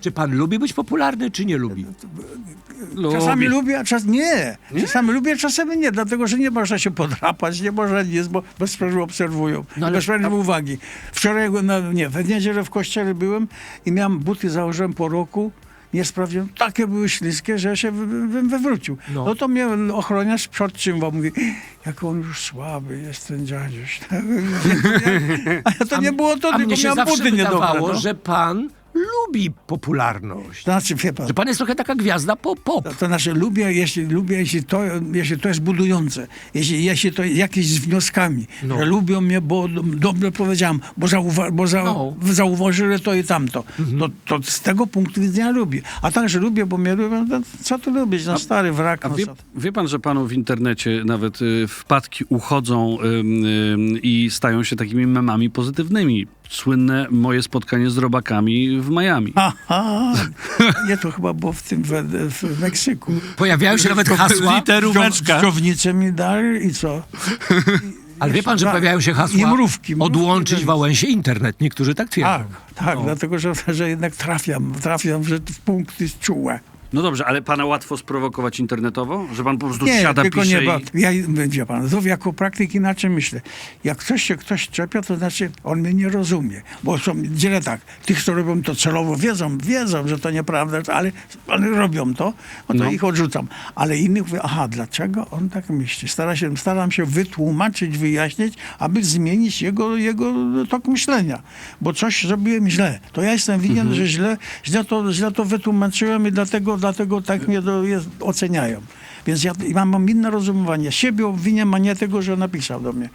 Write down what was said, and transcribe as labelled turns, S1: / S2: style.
S1: Czy pan lubi być popularny, czy nie lubi?
S2: Czasami lubię, a czasami nie. Czasami lubię, a czasami nie, dlatego że nie można się podrapać, nie można nic, bo bez sprawy obserwują.
S1: No ale-
S2: bez sprawy uwagi. Wczoraj, w niedzielę w kościele byłem i miałem buty, założyłem po roku. Nie sprawdziłem, takie były śliskie, że ja się wywrócił. No to mnie ochroniarz podtrzymał, mówi, jak on już słaby jest ten dziadziuś. A to nie było to,
S1: A
S2: tylko
S1: mnie się
S2: miałem
S1: zawsze
S2: buty niedobre.
S1: wydawało,
S2: No.
S1: że pan lubi popularność.
S2: Znaczy, wie pan,
S1: Że pan jest trochę taka gwiazda pop.
S2: to znaczy jeśli to jest budujące, jeśli to jakieś z wnioskami,
S1: No.
S2: że lubią mnie, bo dobrze powiedziałem, bo zauważyli to i tamto, to z tego punktu widzenia lubię. A także lubię, bo mnie lubią, no, co tu lubić, no stary wrak.
S3: A
S2: No,
S3: wie pan, że panu w internecie nawet wpadki uchodzą i stają się takimi memami pozytywnymi? Słynne moje spotkanie z robakami w Miami.
S2: Aha, nie, to chyba było w Meksyku.
S1: Pojawiają się nawet hasła.
S3: Literóweczka.
S2: Dżownicę mi dali i co?
S1: Ale wie pan, że pojawiają się hasła
S2: I mrówki.
S1: odłączyć Wałęsie internet. Niektórzy tak twierdzą.
S2: Tak, dlatego że jednak trafiam w punkty czułe.
S3: No dobrze, ale pana łatwo sprowokować internetowo? Że pan po prostu
S2: Nie,
S3: siada,
S2: tylko
S3: pisze
S2: nie, bo
S3: i...
S2: ja, wie pan, to jako praktyk inaczej myślę. Jak ktoś czepia, to znaczy on mnie nie rozumie. Bo są dzielę tak, tych, co robią to celowo, wiedzą, że to nieprawda, ale robią to, to ich odrzucam. Ale innych mówię, aha, dlaczego on tak myśli? Staram się wytłumaczyć, wyjaśnić, aby zmienić jego tok myślenia. Bo coś zrobiłem źle. To ja jestem winien, że źle to wytłumaczyłem i dlatego tak mnie oceniają. Więc ja mam inne rozumowanie. Siebie obwiniam, a nie tego, że napisał do mnie.